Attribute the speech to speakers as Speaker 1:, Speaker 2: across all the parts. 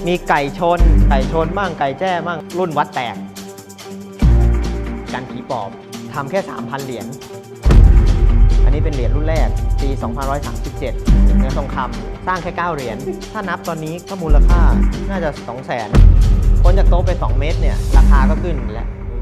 Speaker 1: มีไก่ชนบ้างไก่แจ้บ้างรุ่นวัดแตกกันผีปอบทำแค่ 3,000 เหรียญอันนี้เป็นเหรียญรุ่นแรกปี2537เนื้อทองคำสร้างแค่ 9 เหรียญถ้านับตอนนี้ก็มูลค่าน่าจะ 200,000พ้นจากโต๊ะไป 2 เมตรเนี่ยราคาก็ขึ้นแล้ว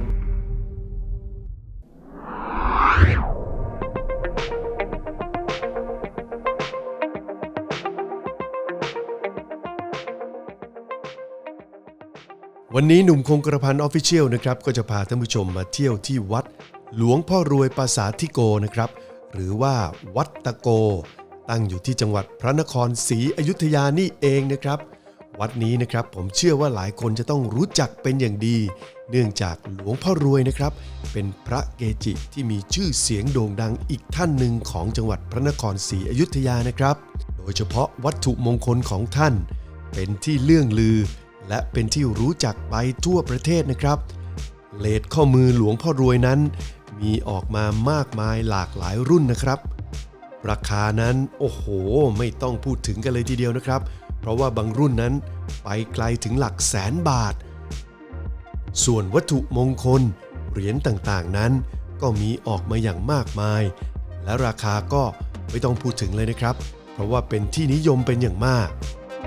Speaker 2: วันนี้หนุ่มคงกระพันออฟฟิเชียลนะครับก็จะพาท่านผู้ชมมาเที่ยวที่วัดหลวงพ่อรวยปราสาทธิโกนะครับหรือว่าวัดตะโกตั้งอยู่ที่จังหวัดพระนครศรีอยุธยานี่เองนะครับวัดนี้นะครับผมเชื่อว่าหลายคนจะต้องรู้จักเป็นอย่างดีเนื่องจากหลวงพ่อรวยนะครับเป็นพระเกจิที่มีชื่อเสียงโด่งดังอีกท่านหนึ่งของจังหวัดพระนครศรีอยุธยานะครับโดยเฉพาะวัตถุมงคลของท่านเป็นที่เลื่องลือและเป็นที่รู้จักไปทั่วประเทศนะครับเลสข้อมือหลวงพ่อรวยนั้นมีออกมามากมายหลากหลายรุ่นนะครับราคานั้นโอ้โหไม่ต้องพูดถึงกันเลยทีเดียวนะครับเพราะว่าบางรุ่นนั้นไปไกลถึงหลักแสนบาทส่วนวัตถุมงคลเหรียญต่างๆนั้นก็มีออกมาอย่างมากมายและราคาก็ไม่ต้องพูดถึงเลยนะครับเพราะว่าเป็นที่นิยมเป็นอย่างมาก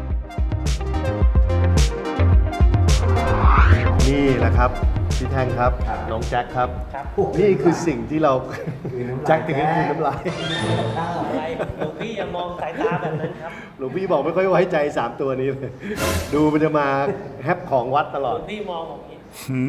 Speaker 2: นี่แหละครับพี่แท่งครับน้องแจ็คครับนี่คือสิ่งที่เราแจ็คถึงให้คืนน้ำลาย
Speaker 1: หลวงพี่อย่ามองสายตาแบบนั้นครับ
Speaker 2: หลวงพี่บอกไม่ค่อยไว้ใจ3ตัวนี้เลยดูมันจะมาแฮปของวัดตลอด
Speaker 1: หลวงพี่มองอย่างนี้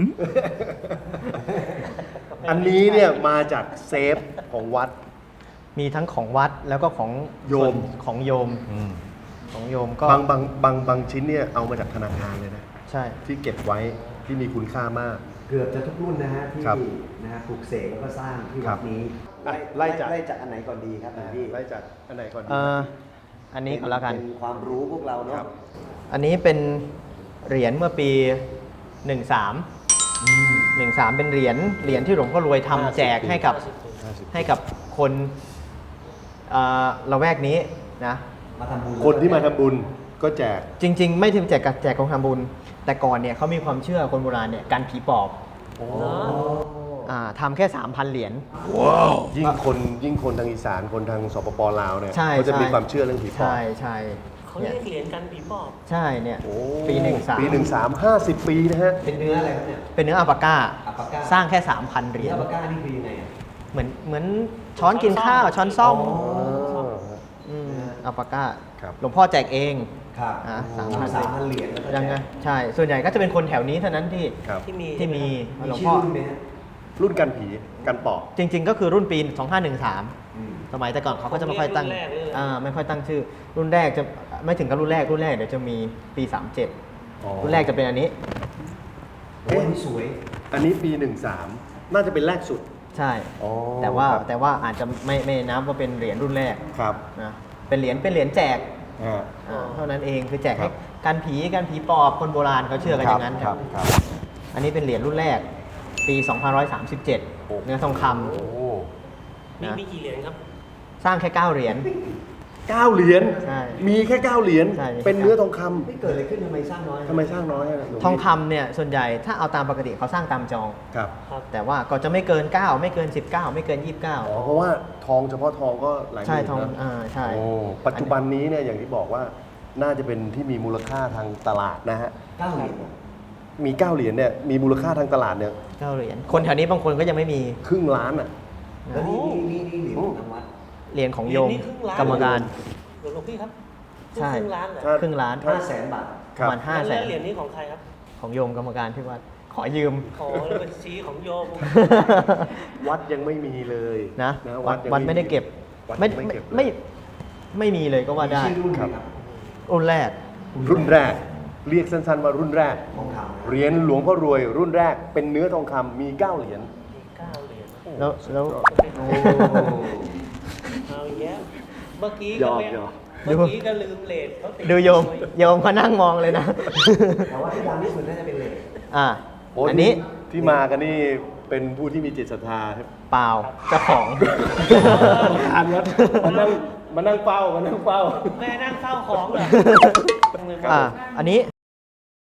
Speaker 2: อันนี้เนี่ยมาจากเซฟของวัด
Speaker 1: มีทั้งของวัดแล้วก็ของ
Speaker 2: โยม
Speaker 1: ของโยมของโยมก็
Speaker 2: บางชิ้นเนี่ยเอามาจากธนาคารเลยนะ
Speaker 1: ใช่
Speaker 2: ที่เก็บไว้ที่มีคุณค่ามาก
Speaker 3: เกือบจะทุกรุ่นนะฮะที่นะฮะปลูกเสกแล้วก็สร้างที่วัดนี้
Speaker 2: ไล่จาก
Speaker 3: อันไหนก่อนดีครับพี่
Speaker 2: ไล่จากอันไหนก่อนดี
Speaker 1: อันนี้ก็แล้วกัน
Speaker 3: เป็นความรู้พวกเราเนาะ
Speaker 1: อันนี้เป็นเหรียญเมื่อปี13เป็นเหรียญที่หลวงพ่อรวยทำแจกให้กับคนละแวกนี้นะ
Speaker 3: มาทำบุญ
Speaker 2: คนที่มาทำบุญก็แจก
Speaker 1: จริงๆไม่ถึงแจกของทำบุญแต่ก่อนเนี่ยเขามีความเชื่อคนโบราณเนี่ยการผีปอบทำแค่ 3,000 เหรียญ
Speaker 2: ว้าวยิ่งคนทางอีสานคนทางสปปลาวเนี่ยเขาจะมีความเชื่อเรื่องผีปอบ
Speaker 1: ใช่
Speaker 4: เขาเรียกเหรียญกันผีปอบ
Speaker 1: ใช่เนี่ยปี
Speaker 2: 13 50 ปีนะฮะ
Speaker 3: เป็นเนื้ออะไรครับเนี่ย
Speaker 1: เป็นเนื้ออัลปาก้าสร้างแค่ 3,000 เหรียญ
Speaker 3: อัลปาก้านี่คือยังไง
Speaker 1: เหมือนช้อนกินข้าวช้อนซ่อมอัลปาก้าหลวงพ่อแจกเอง
Speaker 3: 3,000 เหรียญ
Speaker 1: ยังไงใช่ส่วนใหญ่ก็จะเป็นคนแถวนี้เท่านั้นที่มีหลวงพ่อ
Speaker 2: รุ่นกันผีกันปอบ
Speaker 1: จริงๆก็คือรุ่นปี2513สมัยแต่ก่อนเขาก็จะไม่ค่อยตั้งชื่อรุ่นแรกจะไม่ถึงกับรุ่นแรกเดี๋ยวจะมีปี37รุ่นแรกจะเป็นอันนี้
Speaker 3: โอ้นี่สวย
Speaker 2: อันนี้ปี13น่าจะเป็นแรกสุด
Speaker 1: ใช่แต่ว่าอาจจะไม่นับว่าเป็นเหรียญรุ่นแรก
Speaker 2: ครับ
Speaker 1: นะเป็นเหรียญแจกเท่านั้นเองคือแจกให้กันผีปอบคนโบราณเขาเชื่อกันอย่างนั้นครับอันนี้เป็นเหรียญรุ่นแรกปี2537เนื้อทองคำ
Speaker 4: มีกี่เหรียญครับ
Speaker 1: สร้างแค่ 9 เหรียญ
Speaker 2: 9 เหรียญมีแค่9 เหรียญเป็นเนื้อทองคำ
Speaker 3: ไม่เกิดอะไรขึ้นทำไมสร้างน้อย
Speaker 1: ทองคำเนี่ยส่วนใหญ่ถ้าเอาตามปกติเขาสร้างตามจอง
Speaker 2: ครับ
Speaker 1: แต่ว่าก็จะไม่เกิน9ไม่เกิน19ไม่เกิน29
Speaker 2: เพราะว่าทองเฉพาะทองก็หลายหมื่น
Speaker 1: ใช่ทองใช่
Speaker 2: ปัจจุบันนี้เนี่ยอย่างที่บอกว่าน่าจะเป็นที่มีมูลค่าทางตลาดนะฮะ
Speaker 3: 9 เหรียญ
Speaker 2: มี9 เหรียญเนี่ยมีมูลค่าทางตลาดเนี่ย
Speaker 1: 9 เหรียญคนแถวนี้บางคนก็ยังไม่มี
Speaker 2: ครึ่งล้านอ่ะ
Speaker 3: แล้วนี่เหรียญของทางวัด
Speaker 1: เหรียญของโยมกรรมการ
Speaker 4: หลวงพี่ครับ
Speaker 1: ใช่
Speaker 4: ครึ่งล้านเหรอ
Speaker 1: ครึ่งล้าน
Speaker 3: 500,000 บาท
Speaker 1: ประมาณ500,000
Speaker 4: เหรียญนี้ของใครครับ
Speaker 1: ของโยมกรรมการที่วัดขอยืม
Speaker 4: บัญชีของโยม
Speaker 2: วัดยังไม่มีเลย
Speaker 1: นะวัดไม่ได้เก็บไม่มีเลยก็ว่าได้รุ่นแรก
Speaker 2: เรียกสั้นๆว่ารุ่นแรกเหรียญหลวงพ่อรวยรุ่นแรกเป็นเนื้อทองคำมี9 เหรียญ
Speaker 1: แล้ว
Speaker 4: เอาแย่เมื่อกี้ก็ลืมเลทเขาติด
Speaker 1: ดูโยมเขานั่งมองเลยนะ
Speaker 3: แต่ว่าที่ดังที่สุดน่าจะเป็นเลท
Speaker 1: อันนี้
Speaker 2: ที่มากันนี่เป็นผู้ที่มีจิตศรัทธา
Speaker 1: เปล่าเจ้าของ
Speaker 2: อันวัดมานั่งเฝ้า
Speaker 4: แม่นั่งเฝ้าของเหรอ
Speaker 1: อันนี้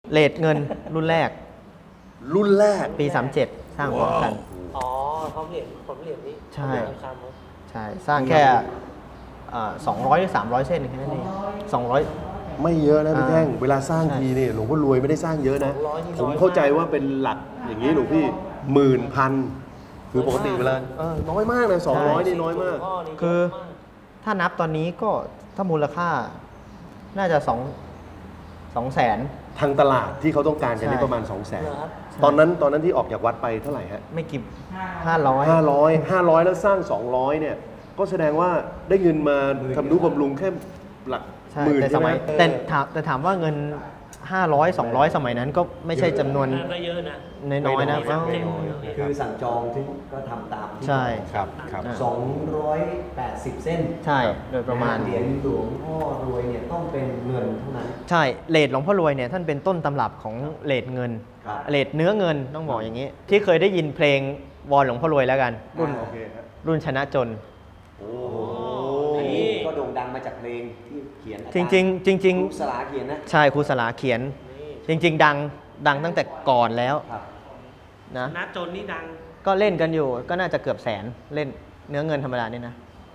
Speaker 1: เลทเงินรุ่นแรก
Speaker 2: รุ่นแรก
Speaker 1: ปี 37 สร้างพร้อมกัน
Speaker 4: อ๋อผมเหรียญนี้
Speaker 1: ใช่
Speaker 4: ทองคำครับ
Speaker 1: ใช่ สร้างแค่200หรือ300 เส้นแค่นั้นเอง200
Speaker 2: ไม่เยอะนะพี่
Speaker 1: อ่า
Speaker 2: แท่งเวลาสร้าง
Speaker 1: ใช่
Speaker 2: ทีเนี่ยหลวงพ่อรวยไม่ได้สร้างเยอะนะ
Speaker 4: 200นี่
Speaker 2: ผม
Speaker 4: น้อยมาก
Speaker 2: เข้าใจว่าเป็นหลักอย่างนี้หลวงพี่หมื่นพันคือปกติเวลาน้อยมากนะ200นี่น้อยมาก
Speaker 4: พ่นี่
Speaker 1: คือ
Speaker 4: เยะมาก
Speaker 1: ถ้านับตอนนี้ก็ถ้ามูลค่าน่าจะ2แสน
Speaker 2: ทางตลาดที่เขาต้องการกันนี่
Speaker 1: ใช่
Speaker 2: ประมาณ 2 0 0 0 0
Speaker 4: เหรอครับ
Speaker 2: 0ตอนนั้นที่ออกจากวัดไปเท่าไหร่ฮะ
Speaker 1: ไม่กี่500
Speaker 2: 500แล้วสร้าง 200เนี่ยก็แสดงว่าได้เงินมาทำนุบำรุงแค่หลัก
Speaker 1: ใช่
Speaker 2: หมื่น
Speaker 1: แต่ส
Speaker 2: ใช่ไหม
Speaker 1: มัยแต่ถามว่าเงิน 500 200 สมัยนั้นก็ไม่ใช่จำนวน
Speaker 4: ก็เยอะนะ
Speaker 1: น้อยๆนะ
Speaker 4: ไม่น้อย
Speaker 3: คือสั่งจองที่ก็ทำตามที่
Speaker 1: ใช่
Speaker 2: ครับครับ
Speaker 1: อ่า
Speaker 3: 280 เส้น
Speaker 1: ใช่ โดยประมาณ
Speaker 3: เหรียญหลวงพ่อรวยเนี่ยต้องเป็นเงินเท่านั้น
Speaker 1: ใช่เลทหลวงพ่อรวยเนี่ยท่านเป็นต้นตำรับของเลทเงิน
Speaker 3: ครับ
Speaker 1: เลทเนื้อเงินต้องบอกอย่างนี้ ที่เคยได้ยินเพลงวอนหลวงพ่อรวยแล้วกัน รุ่น
Speaker 2: โอเคฮะ
Speaker 1: รุ่นชนะจน
Speaker 2: โอ้
Speaker 3: อันนี้ก็โด่งดังมาจากเพลงที่เขียน
Speaker 1: จริง
Speaker 3: ครูสลาเขียนนะ
Speaker 1: ๆ ใช่ครูสลาเขียน จริง ๆ ดังตั้งแต่ก่อนแล้ว
Speaker 3: ครับ
Speaker 1: นะ
Speaker 4: นัดจนนี่ดัง
Speaker 1: ก็เล่นกันอยู่ก็น่าจะเกือบแสนเล่นเนื้อเงินธรรมดานี่นะ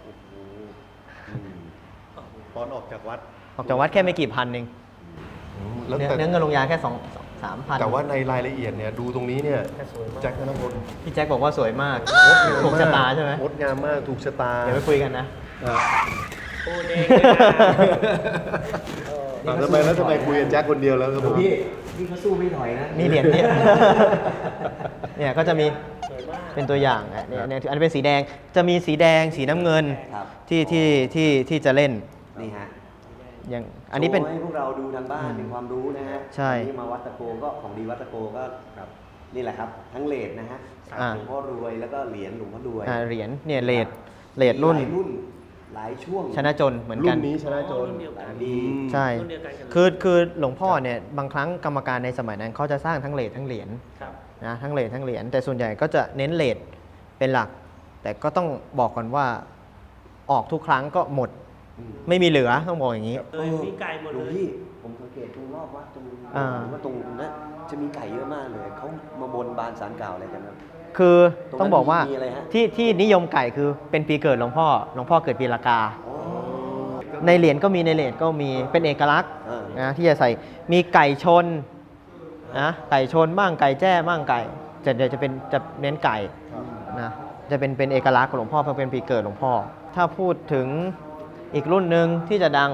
Speaker 2: ตอนออกจากวัด
Speaker 1: ออกจากวัดแค่ไม่กี่พันเอง
Speaker 2: แล้ว
Speaker 1: เนื้อ
Speaker 2: แต่
Speaker 1: เนื้อเงินลงยาแค่3,000
Speaker 2: แต่ว่าในรายละเอียดเนี่ยดูตรงนี้เนี่ย
Speaker 4: แต่สวยมาก
Speaker 2: แจ็คธนพล
Speaker 1: พี่แจ็คบอกว่าสวยมากถูกชะตาใช่ไหม
Speaker 2: งดงามมากถูกชะตา
Speaker 1: เดี๋ยวไปคุยกันนะ
Speaker 4: พูดเองเลยนะ
Speaker 2: ทำไมคุยกับแจ็คคนเดียวแล้วครับผม
Speaker 3: พี่เขาสู้ไม่ถอยนะ
Speaker 1: นี่เหรียญเนี่ย เนี่ยก็จะมี
Speaker 4: สวยมาก
Speaker 1: เป็นตัวอย่างอ่ะเนี่ยอันนี้เป็นสีแดงจะมีสีแดงสีน้ำเงิน
Speaker 3: ครับ
Speaker 1: ที่จะเล่น
Speaker 3: นี่ฮะ
Speaker 1: อย่างอันนี้เป็น
Speaker 3: โชว์ให้พวกเราดูทางบ้านเป็นความรู้นะฮะ
Speaker 1: ใช่
Speaker 3: วันนี้มาวัดตะโกก็ของดีวัดตะโกก็นี่แหละครับ ทั้งเลทนะฮะ
Speaker 1: อ่า
Speaker 3: หลวงพ่อรวยแล้วก็เหรียญหลวงพ่อรวย
Speaker 1: เหรียญเนี่ยเลทรุ่น
Speaker 3: หลายรุ่นหลายช่วง
Speaker 1: ชนะจนเหมือน
Speaker 2: รุ่
Speaker 1: กัน
Speaker 2: นนี้ชนะโจร
Speaker 4: รุ่นเดียวกัน
Speaker 3: ดี
Speaker 1: ใช่
Speaker 4: รุ่นเดียวกันกันเลย
Speaker 1: คือหลวงพ่อเนี่ยบางครั้งกรรมการในสมัยนั้นเขาจะสร้างทั้งเลททั้งเหรียญ
Speaker 4: ครับ
Speaker 1: นะทั้งเลททั้งเหรียญแต่ส่วนใหญ่ก็จะเน้นเลทเป็นหลัก แต่ก็ต้องบอกก่อนว่าออกทุกครั้งก็หมด ไม่มีเหลือต้องบอกอย่างนี้
Speaker 4: เลยมีไก่หมด
Speaker 3: หล
Speaker 4: เล
Speaker 3: วง
Speaker 4: ย
Speaker 3: พี่ผมสังเกตตรงรอบวัดตรง
Speaker 1: อ่า
Speaker 3: ว่าตรงนั้นจะมีไก่เยอะมากเลยเขามาบนบานสารกล่าวอะไรกันครับ
Speaker 1: คือ
Speaker 3: ตรงนั้น
Speaker 1: ต้องบอกว่า
Speaker 3: มีอะไรฮะ
Speaker 1: ที่นิยมไก่คือเป็นปีเกิดหลวงพ่อเกิดปีละกา
Speaker 3: อ๋อ
Speaker 1: ในเหรียญก็มีในเลทก็มีเป็นเอกลักษณ์
Speaker 3: อ่าน
Speaker 1: นะที่จะใส่มีไก่ชนนะไก่ชนบ้างไก่แจ้บ้างไก่เดี๋ยวจะเน้นไก่นะจะเป็นเอกลักษณ์ของหลวงพ่อเพราะเป็นปีเกิดหลวงพ่อ ถ้าพูดถึงอีกรุ่นหนึ่งที่จะดัง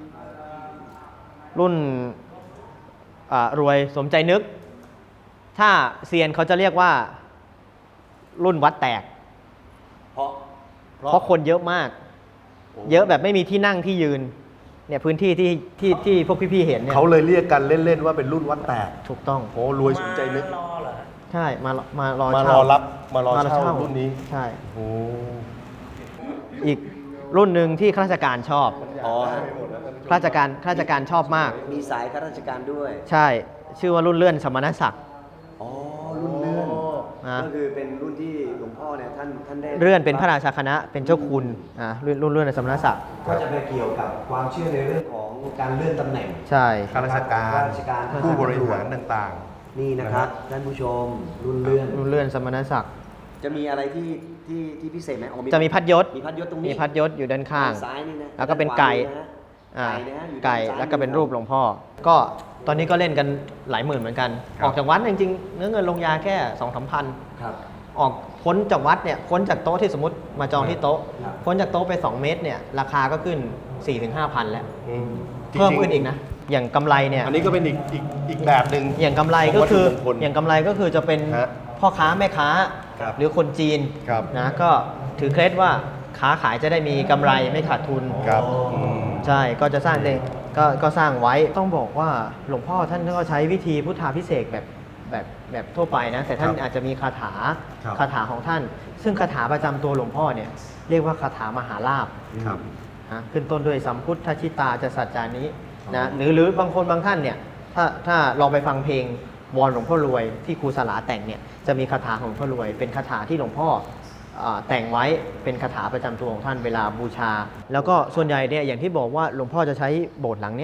Speaker 1: รุ่นรวยสมใจนึก ถ้าเซียนเขาจะเรียกว่ารุ่นวัดแตก เพราะคนเยอะมาก เยอะแบบไม่มีที่นั่งที่ยืนเนี่ยพื้นที่ที่พวกพี่ๆเห็นเนี่ย
Speaker 2: เขาเลยเรียกกันเล่นๆว่าเป็นรุ่นวัดแตก
Speaker 1: ถูกต้อง
Speaker 2: โอ้รวยสนใจนึก
Speaker 4: รอเหรอ
Speaker 1: ใช่มารอ
Speaker 2: มาร
Speaker 1: เช่า
Speaker 2: อรับมารอเช่ารุ่นนี้
Speaker 1: ใช่
Speaker 2: โอ้
Speaker 1: อีกรุ่นหนึ่งที่ข้าราชการชอบ
Speaker 3: อ๋อ
Speaker 1: ข้าราชการชอบมาก
Speaker 3: มีสายข้าราชการด้วย
Speaker 1: ใช่ชื่อว่ารุ่นเลื่อนสมณศักดิ์
Speaker 3: อ๋อ รุ่นเลื่อน
Speaker 1: นะ
Speaker 3: ก็คือเป็นรุ่นที่หลวงพ่อเนี่ยท่านได้
Speaker 1: เลื่อนเป็นพระราชาคณะเป็นเจ้าคุณรุ่นเลื่อนสมณศักดิ์
Speaker 3: ก็จะไปเกี่ยวกับความเชื่อในเรื่องของการเลื่อนตำแหน่ง
Speaker 1: ใช่
Speaker 2: ข้าราชการ
Speaker 3: ข้าราชการ
Speaker 2: ผู้บริหารต่าง
Speaker 3: นี่นะครับท่านผู้ชมรุ่นเลื่อน
Speaker 1: รุ่นเลื่อนสมณศักดิ์
Speaker 3: จะมีอะไรที่พิเศษไหมอ๋อ
Speaker 1: จะมีพัดยศ
Speaker 3: มีพัดยศตรงนี้
Speaker 1: มีพัดยศอยู่ด้านข้าง
Speaker 3: ซ้ายนี่นะ
Speaker 1: แล้วก็เป็นไก่
Speaker 3: ด้านขวามือนะ ไก่นะฮะอยู่
Speaker 1: ไก่
Speaker 3: ด้านซ้าย
Speaker 1: แล้วก็เป็นรูปหลวงพ่อ ก็ตอนนี้ก็เล่นกันหลายหมื่นเหมือนกัน ออกจากวัดจริงๆเนื้อเงินลงยาแค่2-3 พัน
Speaker 3: ครับ
Speaker 1: ออกพ้นจากวัดเนี่ยพ้นจากโต๊ะที่สมมติมาจองที่โต๊ะ
Speaker 3: ครับ
Speaker 1: พ้นจากโต๊ะไป 2 เมตรเนี่ยราคาก็ขึ้น 4-5 พันแล้ว
Speaker 2: ๆอืม
Speaker 1: เพิ่ม
Speaker 2: จริงๆ
Speaker 1: ขึ้นอีกนะ อย่างกำไรเนี่ย
Speaker 2: อันนี้ก็เป็นอีกแบบหนึ่ง
Speaker 1: อย่างกำไรก็คือ
Speaker 2: ของวัตถุมงคล
Speaker 1: อย่างกำไรก็คือจะเป็น
Speaker 2: ฮะ
Speaker 1: พ่อค้าแม่ค้า
Speaker 2: ครับ
Speaker 1: หรือคนจีน
Speaker 2: ครับ
Speaker 1: นะก็ถือเคล็ดว่าค้าขายจะได้มีกำไรไม่ขาดทุน
Speaker 2: ครับ
Speaker 1: ใช่ก็จะสร้างเองก็สร้างไว้ต้องบอกว่าหลวงพ่อท่านก็ใช้วิธีพุทธาภิเษกแบบทั่วไปนะแต่ท่าน
Speaker 2: ครับ
Speaker 1: อาจจะมีคาถา
Speaker 2: ครับ
Speaker 1: คาถาของท่าน ซึ่งคาถาประจำตัวหลวงพ่อเนี่ยเรียกว่าคาถามหาลาภ
Speaker 2: ครับ
Speaker 1: นะขึ้นต้นด้วยสัมพุทธชิตาจะสัจจานี้นะหรือบางคนบางท่านเนี่ยถ้าลองไปฟังเพลงวอนหลวงพ่อรวยที่ครูสลาแต่งเนี่ยจะมีคาถาของหลวงพ่อรวย เป็นคาถาที่หลวงพ่อแต่งไว้เป็นคาถาประจำตัวของท่านเวลาบูชา แล้วก็ส่วนใหญ่เนี่ยอย่างที่บอกว่าหลวงพ่อจะใช้โบสถ์หลังเนี้ย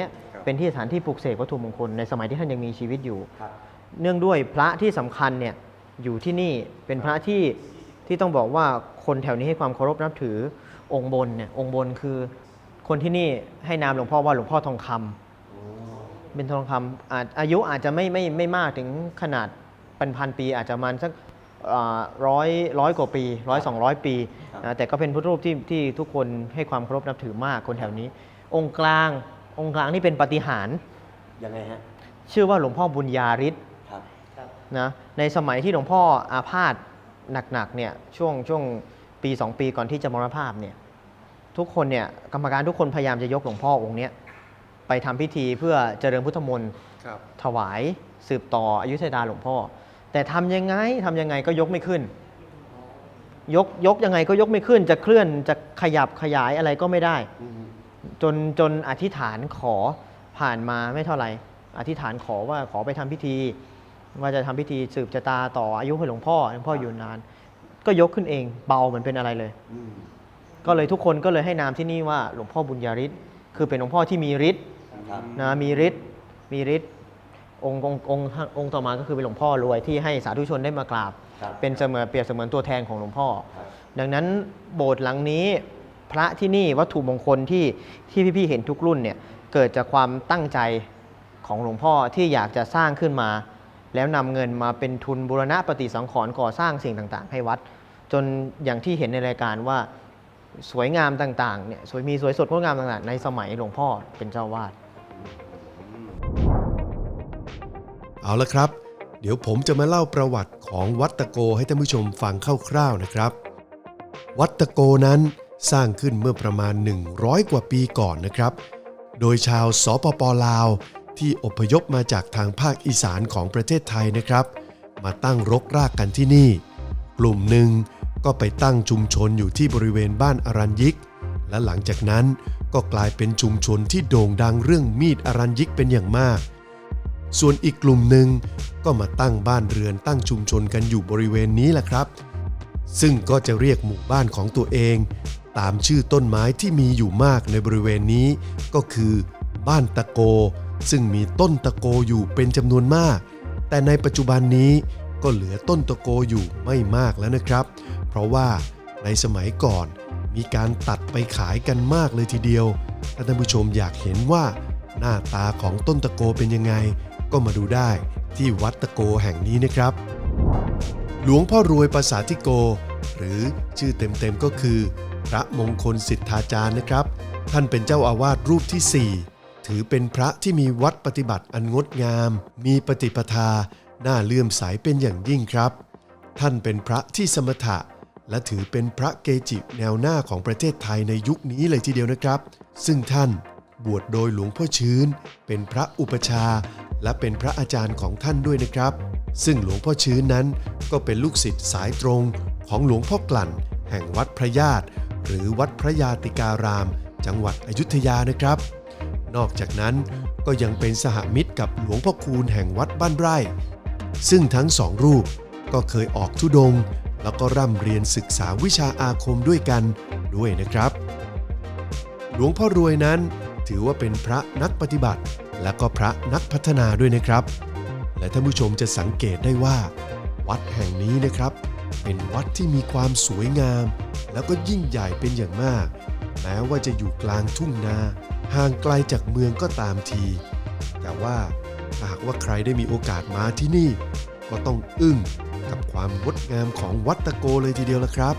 Speaker 1: เป็นที่สถานที่ปลูกเสกวัตถุมงคลในสมัยที่ท่านยังมีชีวิตอยู่
Speaker 3: ครับ
Speaker 1: เนื่องด้วยพระที่สำคัญเนี่ยอยู่ที่นี่เป็นพระที่ต้องบอกว่าคนแถวนี้ให้ความเคารพนับถือองค์บนเนี่ยองค์บนคือคนที่นี่ให้นามหลวงพ่อว่าหลวงพ่อทองคำเป็นทองคำอายุอาจจะไม่มากถึงขนาดพันปีอาจจะประมาณสักร้อยกว่าปี100-200 ปีนะแต่ก็เป็นพุทธรูปที่ทุกคนให้ความเคารพนับถือมากคนแถวนี้ องค์กลางนี่เป็นปาฏิหาริย์
Speaker 3: ยังไงฮะ
Speaker 1: ชื่อว่าหลวงพ่อบุญญาฤทธิ์
Speaker 3: ครับ
Speaker 1: นะในสมัยที่หลวงพ่ออาพาธหนักๆเนี่ยช่วงปี 2 ปีก่อนที่จะมรณภาพเนี่ยทุกคนเนี่ยกรรมการทุกคนพยายามจะยกหลวงพ่อองค์เนี้ยไปทำพิธีเพื่อเจริญพุทธมนต์ถวายสืบต่ออายุทยาหลวงพ่อแต่ทำยังไงก็ยกไม่ขึ้นยกยังไงก็ยกไม่ขึ้นจะเคลื่อนจะขยับขยายอะไรก็ไม่ได้จนอธิษฐานขอผ่านมาไม่เท่าไหร่อธิษฐานขอว่าขอไปทำพิธีว่าจะทำพิธีสืบชะตาต่ออายุให้หลวงพ่ออยู่นานก็ยกขึ้นเองเบาเหมือนเป็นอะไรเลยก็เลยทุกคนก็เลยให้นามที่นี่ว่าหลวงพ่อบุญญาฤทธิ์คือเป็นหลวงพ่อที่มีฤทธิ์นะมีฤทธิ์องค์ต่อมาก็คือเป็นหลวงพ่อรวยที่ให้สาธุชนได้มากราบเป็นเปรียบเสมือนตัวแทนของหลวงพ่อดังนั้นโบสถ์หลังนี้พระที่นี่วัตถุมงคลที่พี่ๆเห็นทุกรุ่นเนี่ยเกิดจากความตั้งใจของหลวงพ่อที่อยากจะสร้างขึ้นมาแล้วนำเงินมาเป็นทุนบูรณะปฏิสังขรณ์ก่อสร้างสิ่งต่างๆให้วัดจนอย่างที่เห็นในรายการว่าสวยงามต่างๆเนี่ยสวยสดงดงามต่างๆในสมัยหลวงพ่อเป็นเจ้าวาด
Speaker 2: เอาละครับเดี๋ยวผมจะมาเล่าประวัติของวัดตะโกให้ท่านผู้ชมฟังคร่าวๆนะครับ วัดตะโกนั้นสร้างขึ้นเมื่อประมาณ100กว่าปีก่อนนะครับโดยชาวสปป.ลาวที่อพยพมาจากทางภาคอีสานของประเทศไทยนะครับมาตั้งรกรากกันที่นี่กลุ่มหนึ่งก็ไปตั้งชุมชนอยู่ที่บริเวณบ้านอรัญยิกและหลังจากนั้นก็กลายเป็นชุมชนที่โด่งดังเรื่องมีดอรัญยิกเป็นอย่างมากส่วนอีกกลุ่มหนึ่งก็มาตั้งบ้านเรือนตั้งชุมชนกันอยู่บริเวณนี้แหละครับซึ่งก็จะเรียกหมู่บ้านของตัวเองตามชื่อต้นไม้ที่มีอยู่มากในบริเวณนี้ก็คือบ้านตะโกซึ่งมีต้นตะโกอยู่เป็นจำนวนมากแต่ในปัจจุบันนี้ก็เหลือต้นตะโกอยู่ไม่มากแล้วนะครับเพราะว่าในสมัยก่อนมีการตัดไปขายกันมากเลยทีเดียวถ้าท่านผู้ชมอยากเห็นว่าหน้าตาของต้นตะโกเป็นยังไงก็มาดูได้ที่วัดตะโกแห่งนี้นะครับหลวงพ่อรวยปสาธิโกหรือชื่อเต็มๆก็คือพระมงคลสิทธาจารย์นะครับท่านเป็นเจ้าอาวาสรูปที่4ถือเป็นพระที่มีวัดปฏิบัติอันงดงามมีปฏิปทาน่าเลื่อมใสเป็นอย่างยิ่งครับท่านเป็นพระที่สมถะและถือเป็นพระเกจิแนวหน้าของประเทศไทยในยุคนี้เลยทีเดียวนะครับซึ่งท่านบวชโดยหลวงพ่อชื้นเป็นพระอุปชาและเป็นพระอาจารย์ของท่านด้วยนะครับซึ่งหลวงพ่อชื้นนั้นก็เป็นลูกศิษย์สายตรงของหลวงพ่อกลั่นแห่งวัดพระญาติหรือวัดพระยาติการามจังหวัดอยุธยานะครับนอกจากนั้นก็ยังเป็นสหมิตรกับหลวงพ่อคูณแห่งวัดบ้านไร่ซึ่งทั้งสองรูปก็เคยออกธุดงค์แล้วก็ร่ำเรียนศึกษาวิชาอาคมด้วยกันด้วยนะครับหลวงพ่อรวยนั้นถือว่าเป็นพระนักปฏิบัติและก็พระนักพัฒนาด้วยนะครับและท่านผู้ชมจะสังเกตได้ว่าวัดแห่งนี้นะครับเป็นวัดที่มีความสวยงามแล้วก็ยิ่งใหญ่เป็นอย่างมากแม้ว่าจะอยู่กลางทุ่งนาห่างไกลจากเมืองก็ตามทีแต่ว่าหากว่าใครได้มีโอกาสมาที่นี่ก็ต้องอึ้งกับความงดงามของวัดตะโกเลยทีเดียวละครับ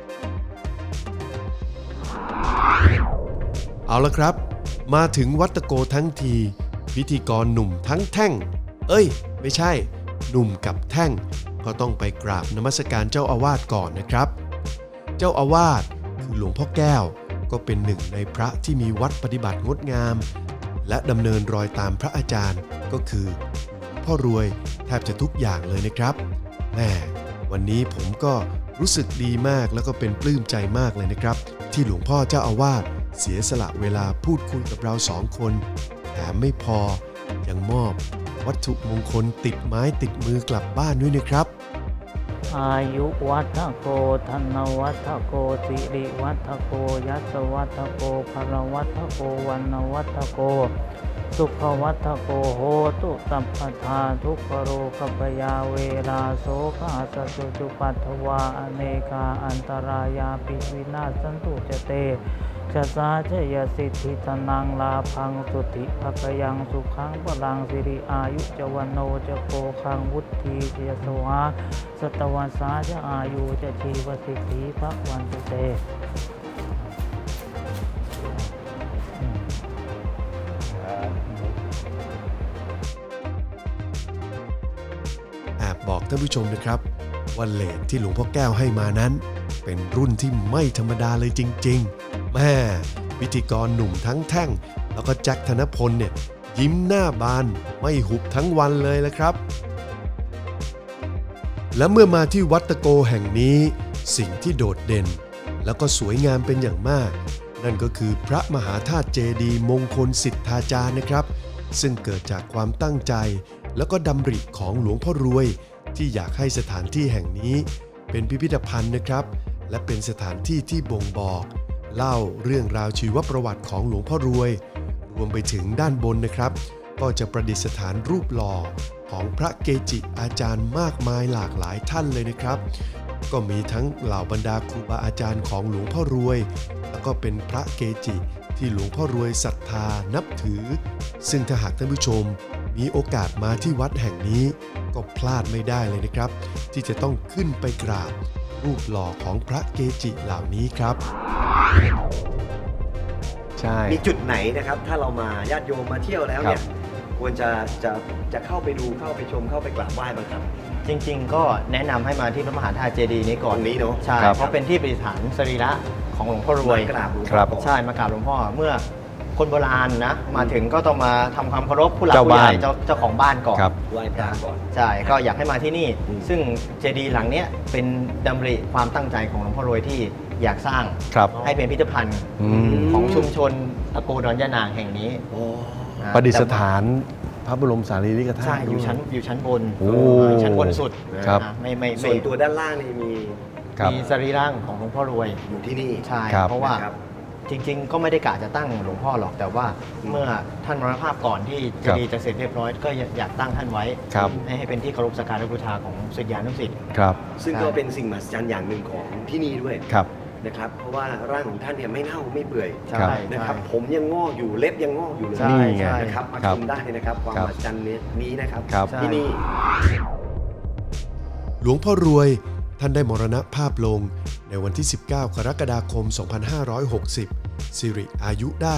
Speaker 2: เอาละครับมาถึงวัดตะโกทั้งทีพิธีกรหนุ่มทั้งแท่งไม่ใช่หนุ่มกับแท่งก็ต้องไปกราบนมัสการเจ้าอาวาสก่อนนะครับเจ้าอาวาสคือหลวงพ่อแก้วก็เป็นหนึ่งในพระที่มีวัดปฏิบัติงดงามและดำเนินรอยตามพระอาจารย์ก็คือหลวงพ่อรวยแทบจะทุกอย่างเลยนะครับแม่วันนี้ผมก็รู้สึกดีมากแล้วก็เป็นปลื้มใจมากเลยนะครับที่หลวงพ่อเจ้าอาวาสเสียสละเวลาพูดคุยกับเรา2 คนแถมไม่พอยังมอบวัตถุมงคลติดไม้ติดมือกลับบ้านด้วยนะครับ
Speaker 4: อายุวัฒโกธนวัฒโกสิริวัฒโกยัสวัฒโกภรวัฒโกวันวัฒโก
Speaker 5: สุขวัฏโกโหตุสัพพทาทุกขโรกัปยาเวลาโสกาสสุจุปัฏฐวาอเนกาอันตรายาปิวินาศสันตุจเตชะสาชยสิทธิธนังลาพังสุติภคยังสุขังพลังสิริอายุจวันโนจะโกคังวุฒิเจยสวาสตวันสาจะอายุจะชีวสิทธิพระวันตุเต
Speaker 2: แอบบอกท่านผู้ชมนะครับว่าเลทที่หลวงพ่อแก้วให้มานั้น เป็นรุ่นที่ไม่ธรรมดาเลยจริงๆแม่พิธีกรหนุ่มทั้งแท่งแล้วก็แจ็คธนพลเนี่ยยิ้มหน้าบานไม่หุบทั้งวันเลยละครับ และเมื่อมาที่วัดตะโกแห่งนี้สิ่งที่โดดเด่นแล้วก็สวยงามเป็นอย่างมาก นั่นก็คือพระมหาธาตุเจดีย์มงคลสิทธาจารย์นะครับซึ่งเกิดจากความตั้งใจแล้วก็ดำริของหลวงพ่อรวยที่อยากให้สถานที่แห่งนี้เป็นพิพิธภัณฑ์นะครับและเป็นสถานที่ที่บ่งบอกเล่าเรื่องราวชีวประวัติของหลวงพ่อรวยรวมไปถึงด้านบนนะครับก็จะประดิษฐานรูปหล่อของพระเกจิอาจารย์มากมายหลากหลายท่านเลยนะครับก็มีทั้งเหล่าบรรดาครูบาอาจารย์ของหลวงพ่อรวยแล้วก็เป็นพระเกจิที่หลวงพ่อรวยศรัทธานับถือซึ่งถ้าหากท่านผู้ชมมีโอกาสมาที่วัดแห่งนี้ก็พลาดไม่ได้เลยนะครับที่จะต้องขึ้นไปกราบรูปหล่อของพระเกจิเหล่านี้ครับใช่
Speaker 3: มีจุดไหนนะครับถ้าเรามาญาติโยมมาเที่ยวแล้วเนี่ยควรจะเข้าไปดูเข้าไปชมเข้าไปกราบไหว้บ้างครับ
Speaker 1: จริงๆ ก็แนะนำให้มาที่พระมหาธาตุเจดีย์นี้ก่อน
Speaker 3: ตรงนี้เนอะ
Speaker 1: ใช่
Speaker 2: ครับ
Speaker 1: เพราะเป็นที่ประดิษฐานสรีระของหลวงพ่อรวย
Speaker 3: มากราบหลวงพ่อ
Speaker 2: ครับ
Speaker 1: ใช่มากราบหลวงพ่อเมื่อคนโบราณนะมาถึงก็ต้องมาทำความเคารพผู้หลัก
Speaker 2: เจ้า
Speaker 1: ผู้ใหญ่
Speaker 2: บ้าน
Speaker 1: เจ้าของบ้านก่อน
Speaker 2: ครับ
Speaker 3: ไหว้พระก่อน
Speaker 1: ใช่ก็อยากให้มาที่นี่
Speaker 3: อืม
Speaker 1: ซึ่งเจดีย์หลังเนี้ยเป็นดำริความตั้งใจของหลวงพ่อรวยที่อยากสร้าง
Speaker 2: ครับ
Speaker 1: ให้เป็นพิพิธภัณฑ์
Speaker 2: อืม
Speaker 1: ของชุมชนตะโกดอนยะนางแห่งนี้
Speaker 3: โอ้
Speaker 1: นะ
Speaker 2: ประดิษฐานพระบรมสารีริกธาตุ
Speaker 1: ใช่อยู่ชั้นบน
Speaker 2: โอ้
Speaker 1: ชั้นบนสุด
Speaker 2: ครับ
Speaker 1: นะไม่
Speaker 3: ส่วนตัวด้านล่างนี่มี
Speaker 2: ครับ
Speaker 1: มีสรีร่างของหลวงพ่อรวย
Speaker 3: อยู่ที่นี่
Speaker 1: ใช่
Speaker 2: ครับ
Speaker 1: เพราะว่า
Speaker 3: ครับ
Speaker 1: จริงๆ ก็ไม่ได้กะจะตั้งหลวงพ่อหรอกแต่ว่าเมื่อท่านมรณภาพก่อนที่เจดีย์จะเสร็จเรียบร้อยก็อยากตั้งท่านไว้
Speaker 2: ครับ
Speaker 1: ให้เป็นที่เคารพสักการะบูชาของศิษยานุศิษย์
Speaker 2: ครับ
Speaker 3: ซึ่งก็เป็นสิ่งมหัศจรรย์อย่างหนึ่งของที่นี่ด้วย
Speaker 2: ครับ
Speaker 3: นะครับ เพราะว่าร่างของท่านเนี่ยไม่เน่าไม่เปื่อย
Speaker 1: ใช่
Speaker 3: นะครับ
Speaker 1: ใช่
Speaker 3: ผมยังงอกอยู่เล็บยังงอกอยู่เลย
Speaker 1: ใช่
Speaker 2: นี่ไง
Speaker 1: ใช่
Speaker 3: นะครับมา
Speaker 2: ครั
Speaker 3: ช
Speaker 2: บ
Speaker 3: มได้นะครับความ
Speaker 2: ครั
Speaker 3: ม
Speaker 2: บ
Speaker 3: หัศจรรย์นี้นะครับ
Speaker 2: ครับ
Speaker 3: ที่นี่
Speaker 2: หลวงพ่อรวยท่านได้มรณภาพลงในวันที่ 19 กรกฎาคม 2560 สิริอายุได้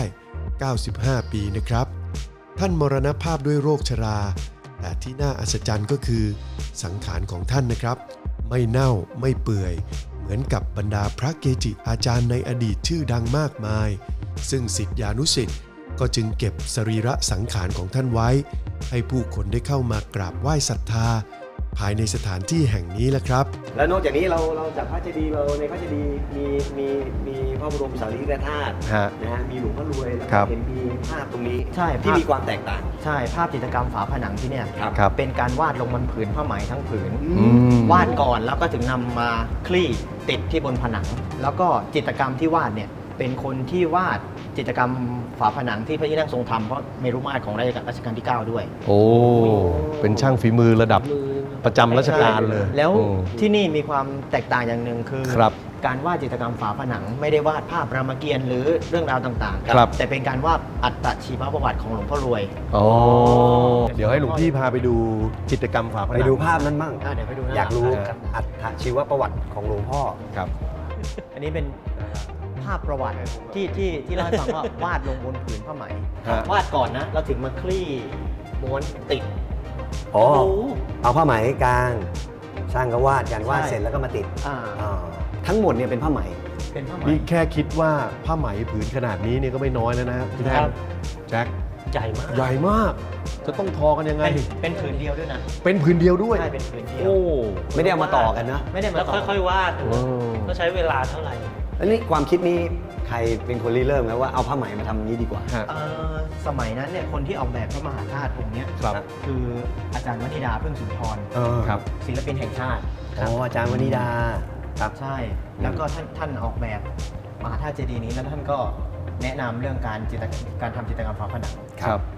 Speaker 2: 95 ปีนะครับ ท่านมรณภาพด้วยโรคชรา แต่ที่น่าอัศจรรย์ก็คือสังขารของท่านนะครับ ไม่เน่าไม่เปื่อย เหมือนกับบรรดาพระเกจิอาจารย์ในอดีตชื่อดังมากมาย ซึ่งศิษยานุศิษย์ก็จึงเก็บสรีระสังขารของท่านไว้ ให้ผู้คนได้เข้ามากราบไหว้ศรัทธา ภายในสถานที่แห่งนี้แหละครับ
Speaker 3: แล้วนอกจากนี้เราจากพระเจดีย์เราในพระเจดีย์มีพระบรมสารีริกธาตุ
Speaker 2: ฮะ
Speaker 3: นะฮะมีหลวงพ่อรวยแล้ว
Speaker 2: ครั
Speaker 3: ก็
Speaker 2: บ
Speaker 3: เห็นมีภาพตรงนี้
Speaker 1: ใช่
Speaker 3: ที่
Speaker 1: ภาพ
Speaker 3: มีความแตกต่าง
Speaker 1: ใช่ภาพจิตรกรรมฝาผนังที่เนี่ย
Speaker 3: ครับ
Speaker 2: ครับ
Speaker 1: เป็นการวาดลงบนผืนผ้าไหมทั้งผืน
Speaker 2: อืม
Speaker 1: วาดก่อนแล้วก็ถึงนำมาคลี่ติดที่บนผนัง แล้วก็จิตรกรรมที่วาดเนี่ยเป็นคนที่วาดจิตรกรรมฝาผนังที่พระที่นั่งทรงธรรมเพราะเมรุมาตรของรัชกาลที่ 9 ด้วย
Speaker 2: โอ้ เป็นช่างฝีมือระดับประจำราชการเลย
Speaker 1: แล้ว
Speaker 2: โอ้
Speaker 1: ที่นี่มีความแตกต่างอย่างหนึ่งคือ
Speaker 2: ครับ
Speaker 1: การวาดจิตรกรรมฝาผนังไม่ได้วาดภาพรามเกียรติ์หรือเรื่องราวต่าง
Speaker 2: ครับ
Speaker 1: แต่เป็นการวาดอัตชีวประวัติของหลวงพ่อรวย
Speaker 2: อ๋อ เดี๋ยวให้หลวงพี่พาไปดูจิตรกรรมฝาผนัง
Speaker 3: ไปดูภาพนั้นบ้าง
Speaker 1: เดี๋ยวไปดูนะ
Speaker 3: อยากรู้
Speaker 2: ครับ
Speaker 3: อัตชีวประวัติของหลวงพ่อ
Speaker 2: ครับ
Speaker 1: อันนี้เป็นภาพประวัติที่เล่าให้ฟังว่าวาดลงบนผืนผ้าไหม
Speaker 2: ฮะ
Speaker 1: วาดก่อนนะเราถึงมาคลี่ม้วนติด
Speaker 3: อ๋อ
Speaker 1: โอ้โห
Speaker 3: เอาผ้าไหมกลางช่างก็วาดกันวาด
Speaker 1: ใช่
Speaker 3: เสร็จแล้วก็มาติด
Speaker 1: อ่า
Speaker 3: อ่าทั้งหมดเนี่ยเป็นผ้าไหม
Speaker 1: เป็นผ้าไหม
Speaker 2: นี่แค่คิดว่าผ้าไหมผืนขนาดนี้เนี่ยก็ไม่น้อยแล้วนะครับพี่แท่
Speaker 4: ครั
Speaker 2: ง
Speaker 4: บ
Speaker 2: แจ็ค
Speaker 4: ใหญ่มาก
Speaker 2: ใหญ่มาก จะต้องทอกันยังไง
Speaker 1: เป็นผืนเดียวด้วยนะ
Speaker 2: เป็นผืนเดียวด้วย
Speaker 1: ใช่เป็นผืนเดียว
Speaker 2: โอ้
Speaker 3: ไม่ได้เอามาต่อกันนะ
Speaker 1: ไม่ได้มา
Speaker 4: แล้ว
Speaker 1: ต่อ
Speaker 4: ค่อยๆวาด
Speaker 2: โอ้
Speaker 4: ก็ใช้เวลาเท่าไหร่
Speaker 3: อันนี้ความคิดนี้ใครเป็นคนริเริ่มไหมว่าเอาผ้าไหมมาทำอย่างนี้ดีกว่า
Speaker 2: ฮะ
Speaker 1: สมัยนั้นเนี่ยคนที่ออกแบบพระมหาธาตุองค์เนี้ย
Speaker 2: ครับ
Speaker 1: คืออาจารย์วนิดาเพิ่งสุนทร
Speaker 2: ครับ
Speaker 1: ศิลปินแห่งชาติ
Speaker 3: อ๋ออาจารย์วนิดาครับ
Speaker 1: ใช่ แล้วก็ท่านออกแบบมหาธาตุเจดีย์นี้แล้วท่านก็แนะนำเรื่องการทำจิตรกรรมฝาผนัง
Speaker 2: ครับ
Speaker 1: แ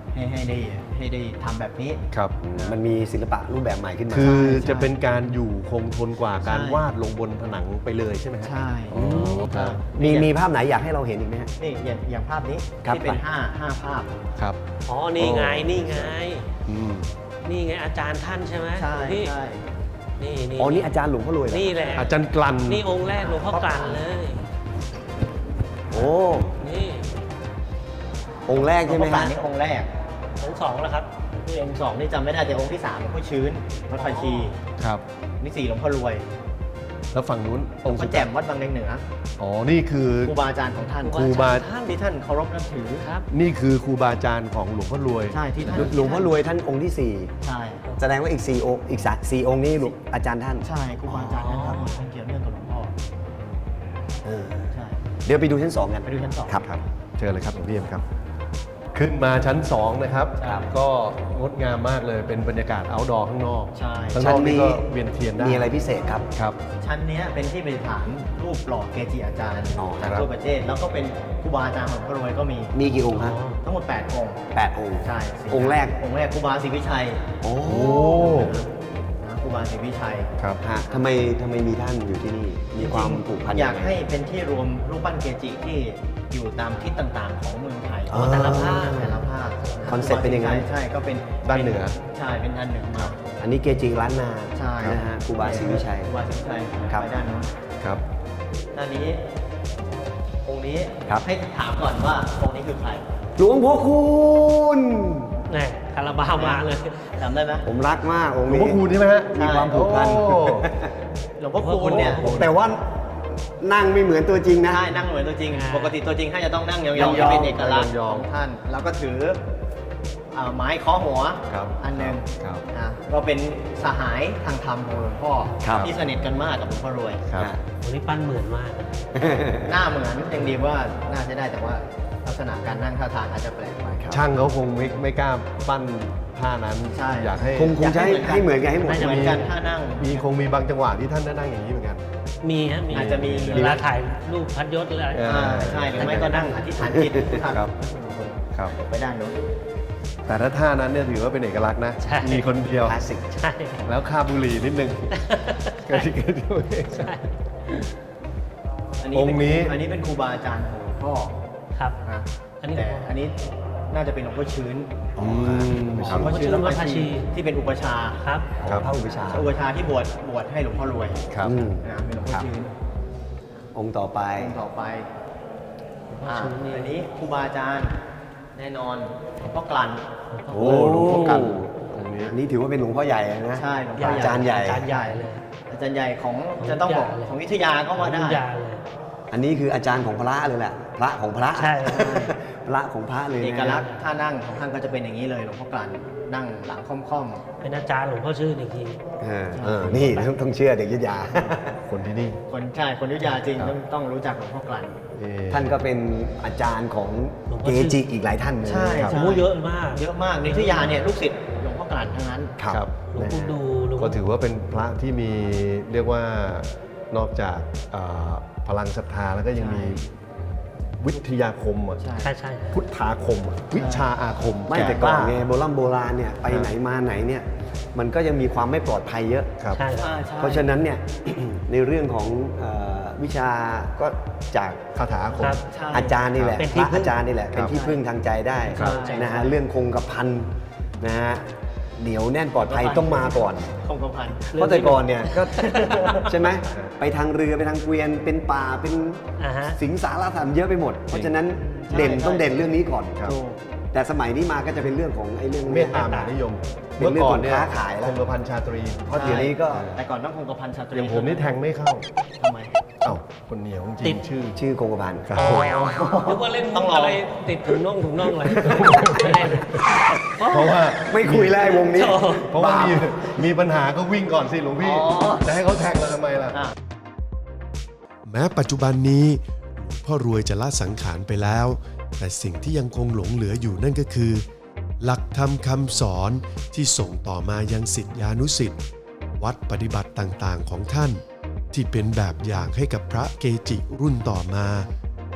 Speaker 1: ให้ได้ทำแบบนี้
Speaker 2: ครับ
Speaker 3: มันมีศิลปะรูปแบบใหม่ขึ้นมา
Speaker 2: คือ
Speaker 1: ใช่
Speaker 2: จะเป็นการอยู่คงทนกว่าการ
Speaker 1: ใช่
Speaker 2: วาดลงบนผนังไปเลยใช่ไหมฮะ
Speaker 1: ใช่
Speaker 2: อ๋อครับ
Speaker 3: มีภาพไหนอยากให้เราเห็นอีกไหมฮะ
Speaker 1: นี่อย่างภาพนี้
Speaker 3: ครับ
Speaker 1: ที่เป็น5ภาพ
Speaker 2: ครับ
Speaker 4: อ๋อ นี่ไง นี่ไง
Speaker 2: อืม
Speaker 4: นี่ไงอาจารย์ท่านใช่ไหม
Speaker 1: ใช่
Speaker 4: นี่
Speaker 1: ใช่
Speaker 4: นี่
Speaker 3: อ๋อนี่อาจารย์หลวงพ่อรวยเหรอ
Speaker 4: นี่แหละ
Speaker 2: อาจารย์กลั่น
Speaker 4: นี่องค์แรกหลวงพ่อกลั่นเลย
Speaker 3: โอ้
Speaker 4: นี่
Speaker 3: องค์แรก
Speaker 1: หลว
Speaker 3: ใช่
Speaker 1: ง
Speaker 3: ไหม
Speaker 1: พ่อกลั่
Speaker 3: ฮะ
Speaker 1: นนี่องค์แรก
Speaker 4: องค์สองแล้วครับ
Speaker 1: องค์สองนี่จำไม่ได้แต่องค์ที่3หลวงพ่อชื้นวัดภาชี
Speaker 2: ครับ
Speaker 1: นี่4หลวงพ่อรวย
Speaker 2: แล้วฝั่งนู้น
Speaker 1: หล
Speaker 2: อ
Speaker 1: ว
Speaker 2: ง
Speaker 1: ง
Speaker 2: ค์
Speaker 1: พ่
Speaker 2: สุ
Speaker 1: อ
Speaker 2: ด
Speaker 1: แจ่มวัดบางเลนเหนือ
Speaker 2: อ๋อ นี่คือ
Speaker 1: ครูบาอาจารย์ของท่าน
Speaker 2: ครูบา
Speaker 1: ที่ท่านเคารพนับถือ
Speaker 4: ครับ
Speaker 2: นี่คือครูบาอาจารย์ของหลวงพ่อรวย
Speaker 1: ใช่ที่ท่าน
Speaker 3: หลวงพ่อรวยท่านองค์ที่
Speaker 1: ใช่
Speaker 3: 4 แสดงว่าอีก4องค์อีก4องค์นี้อาจารย์ท่าน
Speaker 1: ใช่ครูบาอาจารย์ท่านทำมันเกี่ยวเนื่องกับหลวงพ่อ
Speaker 3: เออ
Speaker 1: ใช่
Speaker 3: เดี๋ยวไปดูชั้น 2 กัน
Speaker 1: ไปดูชั้นสอง
Speaker 3: ครับ
Speaker 2: ครับเชิญเลยครับหลวงพี่เอ็มครับ ขึ้นมาชั้น 2 นะครับ
Speaker 3: ครับ
Speaker 2: ก็งดงามมากเลยเป็นบรรยากาศ outdoor ข้างนอก
Speaker 1: ใช่
Speaker 2: ข้างนอกนี่ก็เวียนเทียนได้
Speaker 3: มีอะไรพิเศษครับ
Speaker 2: ครับ
Speaker 1: ชั้นเนี้ยเป็นที่ประดิษฐานรูปหล่อเกจิอาจารย์
Speaker 3: อ๋อ
Speaker 1: จาก
Speaker 2: ครับ
Speaker 1: ทั่วประเทศแล้วก็เป็นครูบาอาจารย์ของหลวงพ่อรวยก็มี
Speaker 3: มีกี่องค์ฮะ
Speaker 1: ทั้งหมด8องค์
Speaker 3: 8 องค์
Speaker 1: ใช่สี่
Speaker 3: องค์แรก
Speaker 1: องค์แรกครูบาศรีวิชัย
Speaker 3: โอ้
Speaker 2: โอ้
Speaker 1: นะครูบาศรีวิชัย
Speaker 2: ครับ
Speaker 3: ฮะทำไมมีท่านอยู่ที่นี่ มีความผูกพัน
Speaker 1: อยาก
Speaker 3: งไง
Speaker 1: ให้เป็นที่รวมรูปปั้นเกจิที่อยู่ตามทิศต่างๆ ของเมืองไทย
Speaker 3: อ๋อ
Speaker 1: แต่ละภาคแต่ละภาค
Speaker 3: คอนเซ็ปต์เป็นอย่างนั้น
Speaker 1: ใช่ก็เป็น
Speaker 2: ด้านเหนือ
Speaker 1: ใช่เป็นด้านเหนือมา
Speaker 3: อันนี้เกจิล้านนา
Speaker 1: ใช่
Speaker 3: นะฮะครูบาศรีวิชัย
Speaker 1: ครูบาศรีวิชัย
Speaker 3: ครับ
Speaker 1: ไปด้านนู้น
Speaker 2: ครับ
Speaker 1: ด้านนี้องค์นี้
Speaker 3: ครับ
Speaker 1: ให้ถามก่อนว่าองค์นี้คือใคร
Speaker 3: หลวงพ่อคูณ
Speaker 4: นี่คาราบาวมาเลย
Speaker 1: จำได้ไหม
Speaker 3: ผมรักมากองค์
Speaker 2: หลวง
Speaker 3: นี้
Speaker 2: พ่อคูณใช่ไหมฮะ
Speaker 3: มีความผูกพัน
Speaker 2: โอ้
Speaker 1: หลวงพ่อคูณเนี่ย
Speaker 3: แต่ว่านั่งไม่เหมือนตัวจริงนะ
Speaker 1: ใช่นั่งเหมือนตัวจริง
Speaker 4: อ่า
Speaker 1: ปกติตัวจริงท่านจะต้องนั่งยอง
Speaker 3: ย
Speaker 1: ๆ
Speaker 3: องๆ
Speaker 1: จะเป็นเอกลักษณ์
Speaker 2: ยองๆ
Speaker 1: ของท่าน แล้วก็ถือไม้เคาะหัว
Speaker 2: ครับ
Speaker 1: อันหนึ่ง
Speaker 2: ครับ
Speaker 1: นะเราเป็นสหายทางธรรมของหลวงพ่อ
Speaker 3: ครับ
Speaker 1: ที่สนิทกันมากกับหลวงพ่อรวย
Speaker 2: ครับ
Speaker 4: วันนี้ปั้นเหมือนมาก
Speaker 1: หน้าเหมือนยังดีว่าน่าจะได้แต่ว่าลักษณะการนั่งท่าทางอาจจะแปลกไป
Speaker 2: ช่างเขาคงไม่กล้าปั้นท่านั้น
Speaker 1: ใช่
Speaker 2: อยากให้
Speaker 3: คงจะให้เหมือนกันให้หมด
Speaker 1: น่าจะเหมือนกันท่านั่ง
Speaker 2: มีบางจังหวะที่ท่านได้นั่งอย่างนี้เหมือนกัน
Speaker 4: มีฮะ มี
Speaker 1: อาจจะมี
Speaker 4: เวลาถ่ายรูปพัดยศอะไร
Speaker 2: เออ
Speaker 1: ใช่หรือไม่ก็นั่งอธิษฐานจิตท่าน
Speaker 2: ครับครับ
Speaker 1: ไปด้านโน้น
Speaker 2: แต่ถ้าท่านั้นเนี่ยถือว่าเป็นเอกลักษณ์นะ
Speaker 4: ใช่
Speaker 2: มีคนเดียว
Speaker 3: คลาสสิก
Speaker 4: ใช่
Speaker 2: แล้วคาบบุหรี่นิดนึงก็ที่เกิดด้วย
Speaker 4: ใช่
Speaker 2: องค์นี้
Speaker 1: อันนี้เป็นครูบาอาจารย์ของหลวงพ่อ
Speaker 4: ครับ
Speaker 1: นะ
Speaker 4: อันนี้
Speaker 1: แต่อันนี้น่าจะเป็นหลวงพ่อชื้น
Speaker 2: อืม
Speaker 1: หลวง
Speaker 2: ครับ
Speaker 1: พ่อชื้น
Speaker 4: หลวงพ่อ
Speaker 1: วัด
Speaker 4: ภาชี
Speaker 1: ที่เป็นอุปชฌาย์
Speaker 4: ครับ
Speaker 2: ครับ
Speaker 3: พระอุปชฌาย์
Speaker 1: อุปชฌาย์ที่บวชให้หลวงพ่อรวย
Speaker 2: ครับ
Speaker 3: อืม
Speaker 1: นะเป็นหลวงพ่อชื้น
Speaker 3: องค์ต่อไป
Speaker 1: องค์ต่อไป
Speaker 4: หลวงพ่อชื้นนี่
Speaker 1: อันนี้ครูบาอาจารย์แน่นอนหลวงพ่อกลั่น
Speaker 2: โอ้หลวงพ่อกันองค์นี้
Speaker 3: อันนี้ถือว่าเป็นหลวงพ่อใหญ่นะ
Speaker 1: ใช่หลวง
Speaker 4: ให
Speaker 1: พ่
Speaker 4: ญ่
Speaker 1: อ
Speaker 3: อาจารย์ใหญ่
Speaker 4: อาจารย์ใหญ่เลย
Speaker 1: อาจารย์ใหญ่ของจะต้องบอกของวิทยาก็ว่าได้
Speaker 4: รุ่นยาเลย
Speaker 3: อันนี้คืออาจารย์ของพระเลยแหละ พระของพระ
Speaker 4: ใช่
Speaker 3: พระของพระเลยนะ
Speaker 1: เอกลักษณ์ท่านั่งของท่านก็จะเป็นอย่างนี้เลยหลวงพ่อกลั่นนั่งหลังค่อม
Speaker 4: เป็นอาจารย์หลวงพ่อชื่นอีกที
Speaker 3: นี่ต้องเชื่อเด็กยุทธยา
Speaker 2: คนที่นี่
Speaker 1: ๆคนใช่คนวิทยาจริง
Speaker 2: ครับ
Speaker 1: ต้องรู้จักหลวงพ่อกลั่น
Speaker 2: เอ่อ
Speaker 3: ท่านก็เป็นอาจารย์ของ
Speaker 4: หลวงพ่
Speaker 3: เก
Speaker 4: อชื่อ
Speaker 3: จิอีกหลายท่านเลย
Speaker 1: ใช่
Speaker 3: ครับ
Speaker 1: ใช่
Speaker 4: โอ้เยอะมาก
Speaker 1: เยอะมากในวิทยาเนี่ยลูกศิษย์หลวงพ่อกลั่นทั้งนั้น
Speaker 3: ครับ
Speaker 2: ครับ
Speaker 4: หลวงปู่ดูหลวง
Speaker 2: ก็ถือว่าเป็นพระที่มีเรียกว่านอกจากพลังศรัทธาแล้วก็ยังมีวิทยาคมอะ
Speaker 1: ใช่
Speaker 4: ใช่ใช่
Speaker 2: พุทธาคมอะวิชาอาคม
Speaker 3: ไม่แต่ก่อนไง
Speaker 2: ล้า
Speaker 3: โบราณเนี่ยไปไหนมาไหนเนี่ยมันก็ยังมีความไม่ปลอดภัยเยอะ
Speaker 2: ครับ
Speaker 4: ใช่
Speaker 1: ใช่ใช่
Speaker 3: เพราะฉะนั้นเนี่ย ในเรื่องของวิชาก็จาก
Speaker 2: คาถาอาคม
Speaker 4: ครับ
Speaker 1: ใช่
Speaker 3: อาจารย์นี่แหละ
Speaker 4: เป็น
Speaker 3: พ
Speaker 4: ที่
Speaker 3: ระ
Speaker 4: พึ่ง
Speaker 3: อาจารย์นี่แหละ
Speaker 2: ครับ
Speaker 3: เป็นที่พึ่งทางใจได้
Speaker 1: ครับ
Speaker 3: นะฮะเรื่องคงกระพันนะฮะเหนียวแน่นปลอดภัยต้องมาก่อน
Speaker 1: คงกระพัน
Speaker 3: เพราะแต่ก่อนเนี่ยก็ ใช่ไหมไปทางเรือไปทางเกวียนเป็นป่าเป็น
Speaker 4: อ่าฮะ
Speaker 3: สิงสารสัตว์เยอะไปหมด เพราะฉะนั้นเด่นต้องเด่นเรื่องนี้ก่อน
Speaker 2: ครับ
Speaker 1: ถูก
Speaker 3: แต่สมัยนี้มาก็จะเป็นเรื่องของไอ้เรื่อง
Speaker 2: เมตตามหานิยม
Speaker 3: เป็น
Speaker 2: เมื่อ
Speaker 3: เรื่อง
Speaker 2: ก่อ
Speaker 3: ข
Speaker 2: น
Speaker 3: อง
Speaker 2: เนี่ย
Speaker 3: ค้าขายแล้ว
Speaker 2: คงกระพันชาตรี
Speaker 3: เพราะเดี๋ยวนี้ก็
Speaker 1: แต่ก่อนต้องคงกระพันชาตรี
Speaker 2: อย่างผมนี่แทงไม่เข้า
Speaker 1: ทำไม
Speaker 2: เอ้าคนเหนียวจ
Speaker 4: ติ
Speaker 2: ริ
Speaker 4: ด
Speaker 2: งชื่อ
Speaker 3: ชื่อคงกระพัน
Speaker 2: ครับ
Speaker 4: นึกว่าเล่น
Speaker 1: ต้องลอง
Speaker 4: อะไรติดถุงน่องอะไรไม่ได้นะ
Speaker 2: เพราะว่า
Speaker 3: ไม่คุยแล้วไอ้วงนี้
Speaker 2: เพราะว่ามีปัญหาก็วิ่งก่อนสิหลวงพี่
Speaker 1: อ๋อ
Speaker 2: จะให้เขาแทงเราทำไมล่ะ
Speaker 1: อ่ะ
Speaker 2: แม้ปัจจุบันนี้หลวงพ่อรวยจะละสังขารไปแล้ว แต่สิ่งที่ยังคงหลงเหลืออยู่นั่นก็คือ หลักธรรมคำสอนที่ส่งต่อมายังศิษยานุศิษย์วัดปฏิบัติต่างๆของท่าน ที่เป็นแบบอย่างให้กับพระเกจิรุ่นต่อมา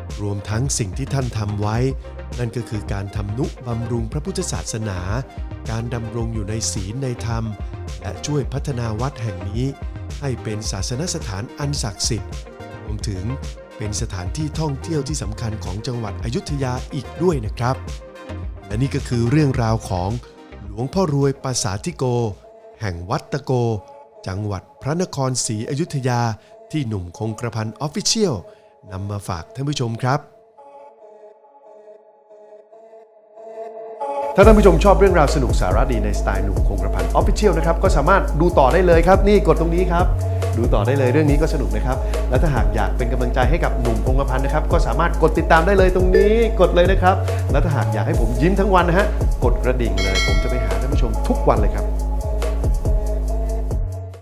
Speaker 2: รวมทั้งสิ่งที่ท่านทำไว้ นั่นก็คือการทำนุบำรุงพระพุทธศาสนา การดำรงอยู่ในศีลในธรรม และช่วยพัฒนาวัดแห่งนี้ให้เป็นศาสนสถานอันศักดิ์สิทธิ์รวมถึงเป็นสถานที่ท่องเที่ยวที่สำคัญของจังหวัดอยุธยาอีกด้วยนะครับ และนี่ก็คือเรื่องราวของหลวงพ่อรวยปราสาทธิโก แห่งวัดตะโก จังหวัดพระนครศรีอยุธยาที่หนุ่มคงกระพัน Official นำมาฝากท่านผู้ชมครับ ถ้าท่านผู้ชมชอบเรื่องราวสนุกสาระดีในสไตล์หนุ่มคงกระพัน Official นะครับก็สามารถดูต่อได้เลยครับนี่กดตรงนี้ครับดูต่อได้เลยเรื่องนี้ก็สนุกนะครับและถ้าหากอยากเป็นกำลังใจให้กับหนุ่มคงกระพันนะครับก็สามารถกดติดตามได้เลยตรงนี้กดเลยนะครับและถ้าหากอยากให้ผมยิ้มทั้งวันนะฮะกดกระดิ่งเลยผมจะไปหาท่านผู้ชมทุกวันเลยครับ